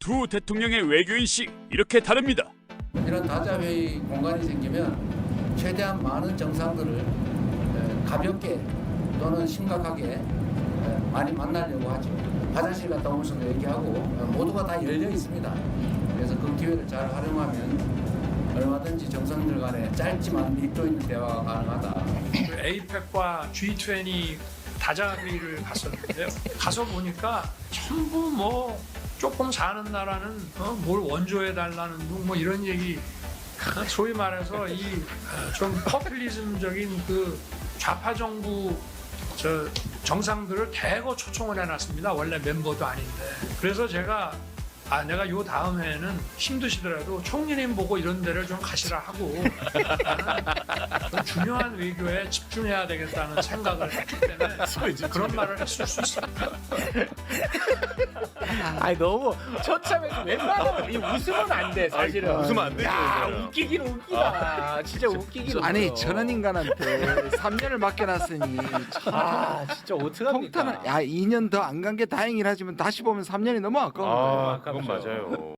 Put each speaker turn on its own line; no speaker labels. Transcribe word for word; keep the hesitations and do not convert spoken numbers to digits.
두 대통령의 외교인식 이렇게 다릅니다.
이런 다자회의 공간이 생기면 최대한 많은 정상들을 에, 가볍게 또는 심각하게 에, 많이 만나려고 하죠. 화장실 갔다 오면서도 얘기하고 어, 모두가 다 열려 있습니다. 그래서 그 기회를 잘 활용하면 얼마든지 정상들 간에 짧지만 밀도 있는 대화가 가능하다.
에이펙과 지 이십 다자회의를 갔었는데요. 가서 보니까 전부 뭐 조금 사는 나라는 어, 뭘 원조해 달라는 둥 뭐 이런 얘기, 어, 소위 말해서 이 좀 포퓰리즘적인 그 좌파 정부 저 정상들을 대거 초청을 해놨습니다. 원래 멤버도 아닌데. 그래서 제가 아 내가 요 다음 해에는 힘드시더라도 총리님 보고 이런 데를 좀 가시라 하고 나는 좀 중요한 외교에 집중해야 되겠다는 생각을 했기 때문에 그런 말을 했을 수 있습니다.
아니 너무 처참해서 웬만하면 이 웃으면 안 돼 사실은.
아니, 웃으면 안 되죠,
야
이거는.
웃기긴 웃기다. 진짜 웃기긴.
아니
웃겨.
저런 인간한테 삼 년을 맡겨놨으니
아 진짜 어떡합니까?
통탄. 야 이 년 더 안 간 게 다행이라 하지만 다시 보면 삼 년이 너무 아까운 거예요.
아, 그건 맞아요.